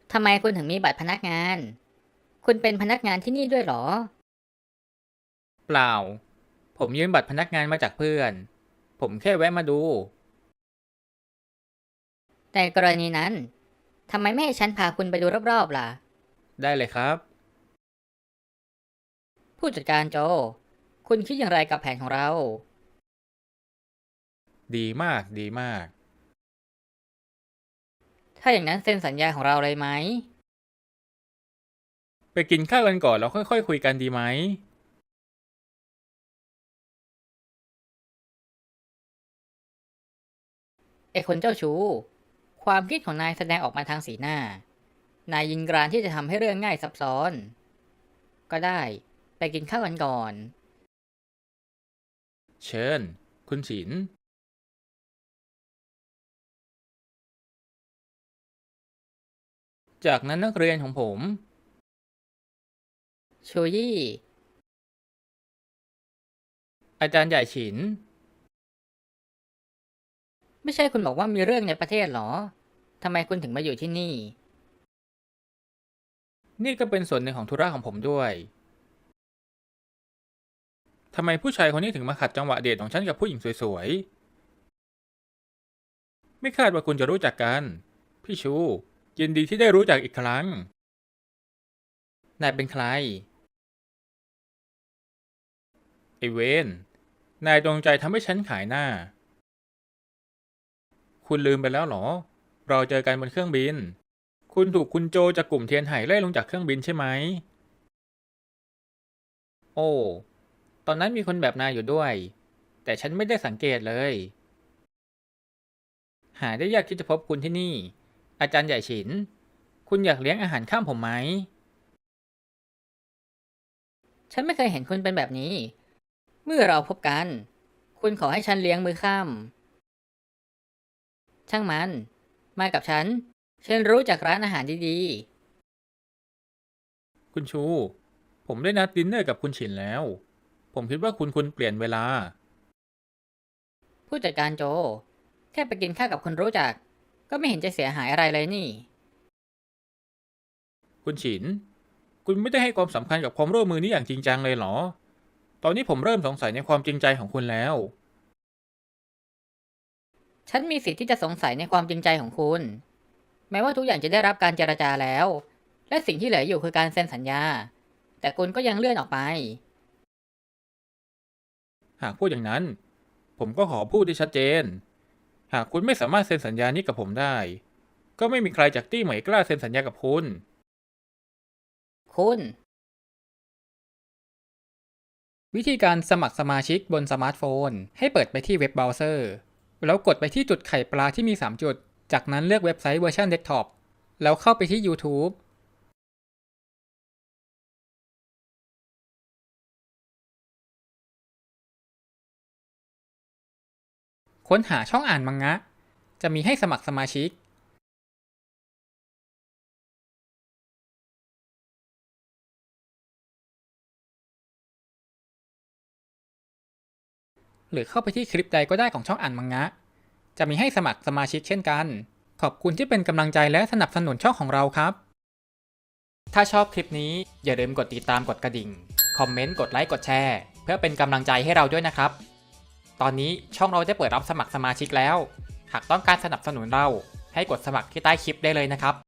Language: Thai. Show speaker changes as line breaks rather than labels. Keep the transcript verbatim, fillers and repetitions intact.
ทำไมคุณถึงมีบัตรพนักงาน คุณเป็นพนักงานที่นี่ด้วยเหรอ
เปล่า ผมยืมบัตรพนักงานมาจากเพื่อน ผมแค่แวะมาดู
ในกรณีนั้น ทำไมไม่ให้ฉันพาคุณไปดูรอบๆล่ะ
ได้เลยครับ
ผู้จัดการโจ คุณคิดอย่างไรกับแผนของเรา
ดีมาก ดีมาก
ถ้าอย่างนั้นเซ็นสัญญาของเราเลยไหม
ไปกินข้าวกันก่อนแล้วค่อยๆคคุยกันดีไหม
ไอ้คนเจ้าชู้ ความคิดของนายแสดงออกมาทางสีหน้า นายยินกรานที่จะทำให้เรื่องง่ายซับซ้อน ก็ได้ ไปกินข้าวกันก่อน
เชิญ คุณฉิน จากนั้นนักเรียนของผม
ชูยี่
อาจารย์ใหญ่ฉิน
ไม่ใช่คุณบอกว่ามีเรื่องในประเทศเหรอ ทำไมคุณถึงมาอยู่ที่นี่
นี่ก็เป็นส่วนหนึ่งของธุระของผมด้วย ทำไมผู้ชายคนนี้ถึงมาขัดจังหวะเดทของฉันกับผู้หญิงสวยๆ ไม่คาดว่าคุณจะรู้จักกัน พี่ชู ยินดีที่ได้รู้จักอีกครั้ง นายเป็นใคร ไอเวน นายจงใจทำให้ฉันขายหน้า คุณลืมไปแล้วเหรอ เราเจอกันบนเครื่องบิน คุณถูกคุณโจจากกลุ่มเทียนไห่ไล่ลงจากเครื่องบินใช่ไหม โอ้ ตอนนั้นมีคนแบบนายอยู่ด้วย แต่ฉันไม่ได้สังเกตเลย หาได้ยากที่จะพบคุณที่นี่ อาจารย์ใหญ่ฉิน คุณอยากเลี้ยงอาหารข้ามผมไหม
ฉันไม่เคยเห็นคุณเป็นแบบนี้ เมื่อเราพบกัน คุณขอให้ฉันเลี้ยงมื้อค่ำช่างมัน มากับฉัน ฉันรู้จักร้านอาหารดี
คุณชู ผมได้นัดดินเนอร์กับคุณฉินแล้ว ผมคิดว่าคุณคุณเปลี่ยนเวลา
ๆ ผู้จัดการโจ แค่ไปกินข้าวกับคนรู้จัก ก็ไม่เห็นจะเสียหายอะไรเลยนี่
คุณฉิน คุณไม่ได้ให้ความสำคัญกับความร่วมมือนี้อย่างจริงจังเลยเหรอ ตอนนี้ผมเริ่มสงสัยในความจริงใจของคุณแล้ว
ฉันมีสิทธิ์ที่จะสงสัยในความจริงใจของคุณ แม้ว่าทุกอย่างจะได้รับการเจรจาแล้ว และสิ่งที่เหลืออยู่คือการเซ็นสัญญา แต่คุณก็ยังเลื่อนออกไป
หากพูดอย่างนั้น ผมก็ขอพูดที่ชัดเจน หากคุณไม่สามารถเซ็นสัญญานี้กับผมได้ ก็ไม่มีใครจากตี้เหมยกล้าเซ็นสัญญากับคุณ
คุณ
วิธีการสมัครสมาชิกบนสมาร์ทโฟนให้เปิดไปที่เว็บเบราว์เซอร์แล้วกดไปที่จุดไข่ปลาที่มีสามจุดจากนั้นเลือกเว็บไซต์เวอร์ชันเดสก์ท็อปแล้วเข้าไปที่ YouTube ค้นหาช่องอ่านมังงะจะมีให้สมัครสมาชิกหรือเข้าไปที่คลิปใดก็ได้ของช่องอ่านมังงะจะมีให้สมัครสมาชิกเช่นกันขอบคุณที่เป็นกำลังใจและสนับสนุนช่องของเราครับถ้าชอบคลิปนี้อย่าลืมกดติดตามกดกระดิ่งคอมเมนต์กดไลค์กดแชร์เพื่อเป็นกำลังใจให้เราด้วยนะครับตอนนี้ช่องเราได้เปิดรับสมัครสมาชิกแล้วหากต้องการสนับสนุนเราให้กดสมัครที่ใต้คลิปได้เลยนะครับ